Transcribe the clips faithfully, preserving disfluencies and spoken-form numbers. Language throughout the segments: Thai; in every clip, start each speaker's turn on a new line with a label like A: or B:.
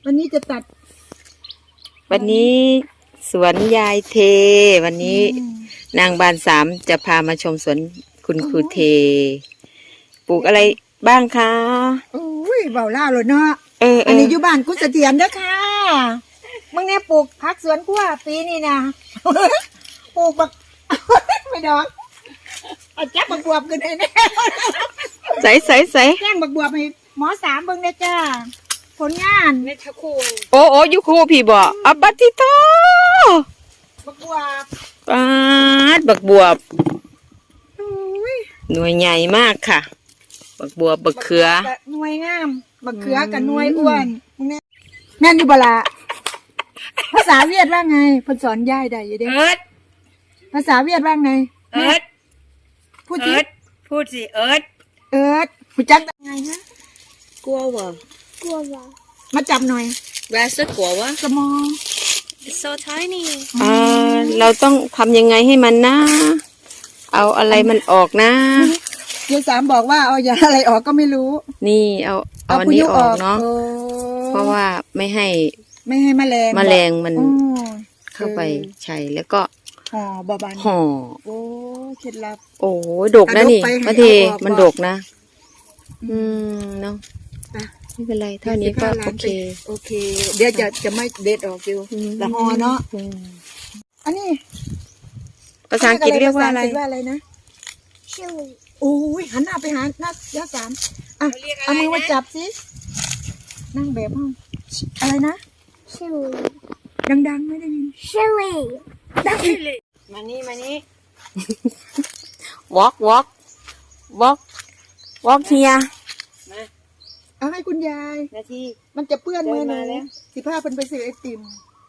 A: วันนี้จะตัด
B: วันนี้สวนยายเทวันนี้นางบานสามจะพามาชมสวนคุณครูเทปลูกอะไรบ้างคะ
A: อุ้ยเบาเล่าเลยเนาะ
B: เออ
A: อันนี้อยู่บ้านกุศเสถียรเด้อค่ะมึงเนี่ยปลูกผักสวนกล้วยปีนี้นะปลูกบักไม่ดอกเอาจับบักบวบกันเลยนะ
B: ใส่ใส่ใส่
A: แจ้งบักบวบให้หมอสามเบิ่งได้จ้าผลงาน
C: ในทะคู
B: โอ้โอ้ยุครูพี่บ่อัปติโต
A: บักบวบ
B: ปาดบักบวบหน่วยใหญ่มากค่ะบักบวบบักเขือ
A: หน่วยงามบักเขือกับหน่วยอ้วนมึงเนี่ยแม่นอยู่บ่ล่ะภาษาเวียดว่าไงเพิ่นสอนย่ายได้อยู่เด้
C: เอิร์ด
A: ภาษาเวียดว่าไง
C: เอิร์ด
A: พูดสิ
C: พูดสิเอิร์ด
A: เอิร์ดผู้จักไงฮะ
C: กลัววะ
A: กลัววะมาจับหน่อย
C: Where's the กลัววะ
A: small
C: It's so tiny
B: อ่าเราต้องทำยังไงให้มันนะเอาอะไรมันออกนะ
A: ยายสามบอกว่าเอาอย่าอะไรออกก็ไม่รู้
B: นี่เอาเอาอันนี้ออกเนาะเพราะว่าไม่ให้
A: ไม่ให้แมลง
B: แมลงมันเข้าไปใช่แล้วก็
A: ห่อบาบาน
B: ห่อ
A: โอ้เคล็ดลับ
B: โอ้ดกนะนี่พระเทมันดกนะอืมเนาะไม่เป็นไรเท่านี้ก็โอเค
A: โอเคเดี๋ยวจะจะไม่เด็ดออกอยู่ละห่อเนาะอันนี้
B: ภาษาอังกฤษเรียกว่าอะไร
A: ว่าอะไรนะชิลโอ้ยหันหน้าไปหาหน้ายาสามอ่ะเอามือมาจับสินั่งแบบห้องอะไรนะชิลดังๆไม่ได้ยินชิลดังเลย
C: มานี่มานี่
B: walk walk walk walk here
C: มา
A: เอาให้คุณยาย
C: นาที
A: มันจะเปื้อนมือหนูสิผ้าเป็นไปซื้อไอติม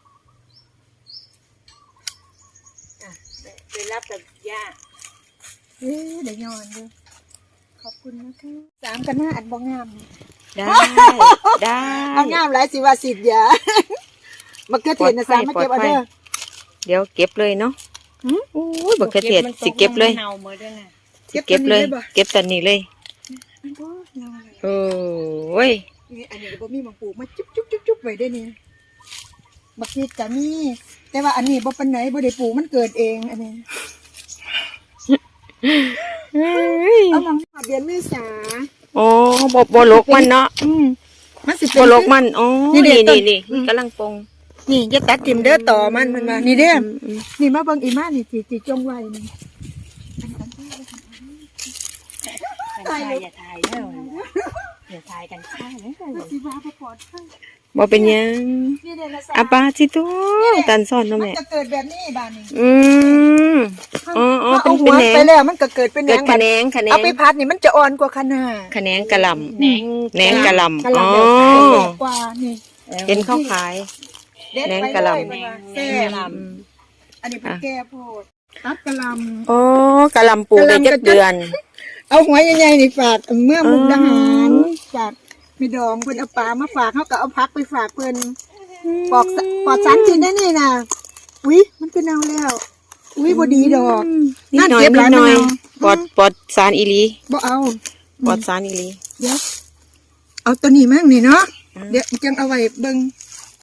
C: อ่ะไปรับกับย่า
A: เอ๊ะเดี๋ยวยอนดูขอบคุณนะคะสามกันหน้าอัดบองงาม
B: ได้ได้
A: เอางามหลายสิว่าสิทธิ์ยาบักเกอร์เทศนะสามมาเก็บเอาเด้อ
B: เดี๋ยวเก็บเลยเนาะโอ้ยบักเกอร์เทศสิเก็บเลยสิเก็บเลยเก็บตอนนี้เลยโอ้ย
A: นี่อันนี้บ่มีบางปลูกมาจุ๊บจุ๊บจุ๊บจุ๊บไว้ได้นี่บักพีดจะมีแต่ว่าอันนี้บ่ปานไหนบ่ได้ปลูกมันเกิดเองอันนี้เอาลองเดือนเมษา
B: อ๋อบ่บ่ลกมันเนาะ
A: อืมมันสิ
B: บ่ลกมันอ๋อนี่นี่นี่กำลังปง
A: นี่จะตัดทิ่มเด้อต่อมันมันมานี่เด้อนี่มาเบิ่งอีมานี่สิสิจงไว้นี่
C: ถ่ายอย่าถ่ายเด้ออย่าถ่ายกันข้างนะ
A: สิว่าบ่ปลอดภัย
B: บ่เป็นยังอาปาจิโตตันซ่อนเนาะแม่
A: มันจะเกิดแบบนี้บ้านนี้
B: อืมอ๋ออ๋อเป็น
A: เป็นแหนงไปแล้วมันก็เกิดเป็น
B: แหนงแขนงแขนง
A: เอาไปพัดนี่มันจะอ่อนกว่าคะน้า
B: แขนงกะหล่ำแหนงแหนงกะหล่ำอ๋อ
A: กว่านี่
B: เห็นเขาขายแหนงกะหล่ำ
A: แซ่บอันนี้เป็นแก้โพดตัดกะหล่ำ
B: อ๋อกะหล่ำปลูกได้เจ็ดเดือน
A: เอาหัวใหญ่ๆนี่ฝากเมื่อมุกดาหารฝากมีดองเพิ่นเอาปลามาฝากเขาก็เอาพักไปฝากเพิ่นปอกปอดสารกินได้นี่นะอุ้ยมันเป็นเอาแล้วอุ้ยบ่ดีดอก
B: นิดหน่อยนิดหน่อยปอดปอดสารอีหลี
A: บ่เอา
B: ปอดสารอีหลี
A: เดี๋ยวเอาตัวนี้มั่งนี่เนาะเดี๋ยวจังเอาไว้เบิ่ง